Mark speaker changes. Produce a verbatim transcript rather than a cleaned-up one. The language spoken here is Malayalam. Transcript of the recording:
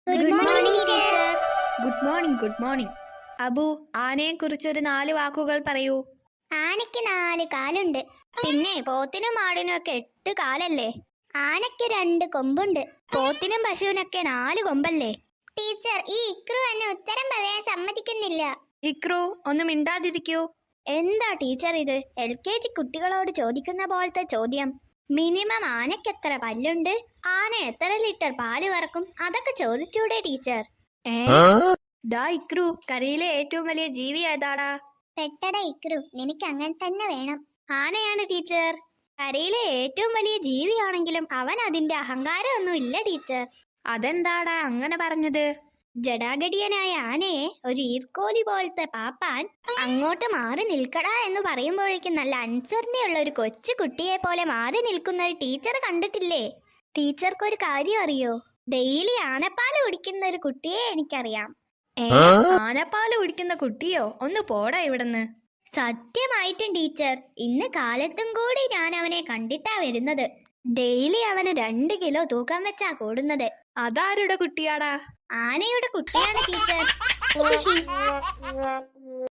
Speaker 1: Good morning teacher.
Speaker 2: Good morning good morning Abu, ആനയെ കുറിച്ചൊരു നാല് വാക്കുകൾ പറയൂ.
Speaker 1: ആനയ്ക്ക് നാല് കാലുണ്ട്. പിന്നെ പോത്തിനും ആടിനും ഒക്കെ എട്ട് കാലല്ലേ? ആനയ്ക്ക് രണ്ട് കൊമ്പുണ്ട്. പോത്തിനും പശുവിനൊക്കെ നാല് കൊമ്പല്ലേ? ടീച്ചർ, ഈ ഇക്രു എന്നെ ഉത്തരം പറയാൻ സമ്മതിക്കുന്നില്ല.
Speaker 2: ഇക്രു, ഒന്ന് മിണ്ടാതിരിക്കൂ.
Speaker 1: എന്താ ടീച്ചർ ഇത്? എൽ കെ ജി കുട്ടികളോട് ചോദിക്കുന്ന പോലത്തെ ചോദ്യം. മിനിമം ആനയ്ക്ക് എത്ര പല്ലുണ്ട്, ആന എത്ര ലിറ്റർ പാല് കറക്കും, അതൊക്കെ ചോദിച്ചൂടെ ടീച്ചർ?
Speaker 2: ഏ ഡാ ഇക്രു, കരയിലെ ഏറ്റവും വലിയ ജീവി ഏതാടാ?
Speaker 1: പെട്ടട ഇക്രു, നിനക്ക് അങ്ങനെ തന്നെ വേണം. ആനയാണ് ടീച്ചർ. കരയിലെ ഏറ്റവും വലിയ ജീവിയാണെങ്കിലും അവൻ അതിന്റെ അഹങ്കാരം ഒന്നും ഇല്ല ടീച്ചർ.
Speaker 2: അതെന്താടാ അങ്ങനെ പറഞ്ഞത്?
Speaker 1: ജടാഗടിയനായ ആനയെ ഒരു ഈർക്കോലി പോലത്തെ പാപ്പാൻ അങ്ങോട്ട് മാറി നിൽക്കടാ എന്ന് പറയുമ്പോഴേക്കും നല്ല അനുസരണയുള്ള ഒരു കൊച്ചു കുട്ടിയെ പോലെ മാറി നിൽക്കുന്ന ഒരു ടീച്ചർ കണ്ടിട്ടില്ലേ? ടീച്ചർക്ക് ഒരു കാര്യം അറിയോ? ഡെയിലി ആനപ്പാല് കുടിക്കുന്ന ഒരു കുട്ടിയെ എനിക്കറിയാം.
Speaker 2: ഏ ആനപ്പാല് കുടിക്കുന്ന കുട്ടിയോ? ഒന്ന് പോടാ ഇവിടുന്ന്.
Speaker 1: സത്യമായിട്ടും ടീച്ചർ, ഇന്ന് കാലത്തും കൂടി ഞാൻ അവനെ കണ്ടിട്ടാ വരുന്നത്. ഡെയിലി അവന് രണ്ട് കിലോ തൂക്കം വെച്ചാ കൂടുന്നത്.
Speaker 2: അതാരുടെ കുട്ടിയാടാ?
Speaker 1: ആനയുടെ കുട്ടിയാണ് ടീച്ചർ.